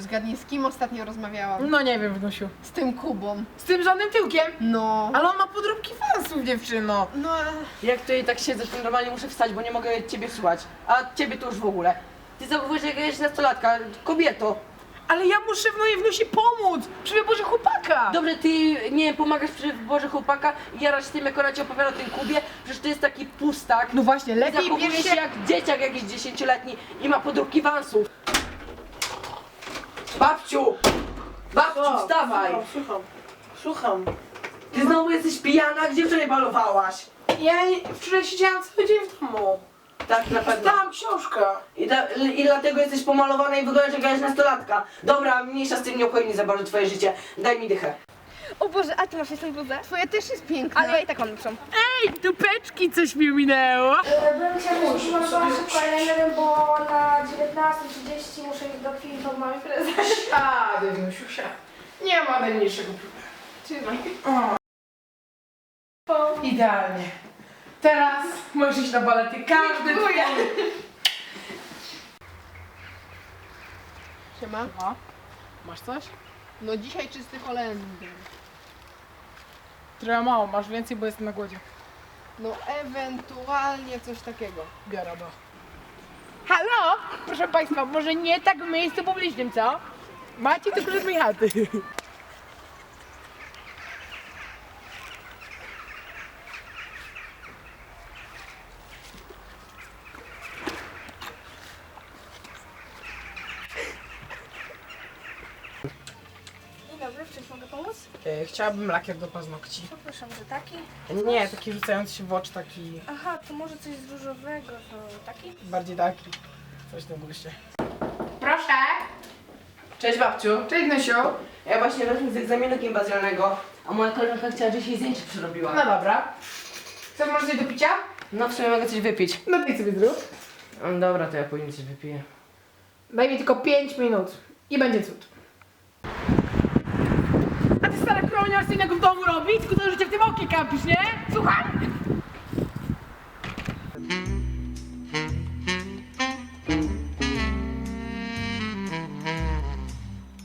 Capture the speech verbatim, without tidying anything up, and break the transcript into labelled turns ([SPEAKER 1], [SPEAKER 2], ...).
[SPEAKER 1] zgadnij, z kim ostatnio rozmawiałam?
[SPEAKER 2] No nie wiem, Wnusiu.
[SPEAKER 1] Z tym Kubą.
[SPEAKER 2] Z tym żadnym tyłkiem?
[SPEAKER 1] No.
[SPEAKER 2] Ale on ma podróbki fansów, dziewczyno.
[SPEAKER 1] No,
[SPEAKER 3] Jak tutaj tak siedzę, to normalnie muszę wstać, bo nie mogę ciebie słuchać. A ciebie to już w ogóle. Ty zachowujesz jak jakaś nastolatka, kobieto.
[SPEAKER 2] Ale ja muszę w mojej Wnusi pomóc przy wyborze chłopaka.
[SPEAKER 3] Dobrze, ty, nie wiem, pomagasz przy wyborze chłopaka i jarasz się tym, jak ona ci opowiada o tym Kubie, przecież to jest taki pustak.
[SPEAKER 2] No właśnie,
[SPEAKER 3] I
[SPEAKER 2] lepiej
[SPEAKER 3] zachowuje
[SPEAKER 2] bierz
[SPEAKER 3] się
[SPEAKER 2] się...
[SPEAKER 3] jak dzieciak jakiś dziesięcioletni i ma podróbki wansów. Babciu! Babciu, wstawaj!
[SPEAKER 4] Słucham, słucham.
[SPEAKER 3] Ty znowu jesteś pijana? Gdzie wczoraj balowałaś?
[SPEAKER 4] Ja nie- wczoraj siedziałam cały dzień w domu.
[SPEAKER 3] Tak, na pewno.
[SPEAKER 4] Czytałam książkę.
[SPEAKER 3] I, da, I dlatego jesteś pomalowana i wyglądasz jak jakaś nastolatka. Dobra, mniejsza z tym, nie obchodzi za bardzo twoje życie. Daj mi dychę.
[SPEAKER 5] O Boże, a ty masz jeszcze bluzę?
[SPEAKER 1] twoja też jest piękna.
[SPEAKER 5] Ale ja i tak mam lepszą.
[SPEAKER 2] Ej, dupeczki, coś mi minęło.
[SPEAKER 6] Bym chciała, że mam była szybko, ale nie wiem, bo na dziewiętnasta trzydzieści muszę iść do kin, to mam imprezę.
[SPEAKER 4] A, Wnusiusia. Nie ma najmniejszego problemu.
[SPEAKER 1] Trzymaj.
[SPEAKER 4] Idealnie. Teraz możesz iść na balety. Każdy
[SPEAKER 1] Dziękuję.
[SPEAKER 4] twój.
[SPEAKER 1] Siema.
[SPEAKER 2] No. Masz coś?
[SPEAKER 1] No dzisiaj czysty Holender.
[SPEAKER 2] Trochę mało, masz więcej, bo jestem na głodzie.
[SPEAKER 1] No ewentualnie coś takiego.
[SPEAKER 2] Biorę, bo. Halo? Proszę Państwa, może nie tak w miejscu publicznym, co? Macie tu klucz mojej chaty.
[SPEAKER 6] Dzień dobry, w czymś mogę pomóc?
[SPEAKER 2] E, chciałabym lakier do paznokci.
[SPEAKER 6] Poproszę, może taki?
[SPEAKER 2] Nie, taki rzucający się w oczy, taki
[SPEAKER 6] Aha, to może coś z różowego, to taki?
[SPEAKER 2] bardziej taki. Coś w tym guście.
[SPEAKER 4] Proszę.
[SPEAKER 3] Cześć babciu.
[SPEAKER 4] Cześć, Nusiu.
[SPEAKER 3] Ja właśnie wracam z egzaminu gimnazjalnego, a moja koleżanka chciała, żebyś jej zdjęcie przerobiła.
[SPEAKER 4] No dobra. Chcesz może coś do picia?
[SPEAKER 3] No w sumie mogę coś wypić.
[SPEAKER 4] No ty sobie zrób.
[SPEAKER 3] No dobra, to ja później coś wypiję.
[SPEAKER 4] Daj mi tylko pięć minut i będzie cud.
[SPEAKER 2] A ty stara kronia, masz co innego w domu robić? Tylko to, że cię w tym oknie kampisz, nie? Słucham?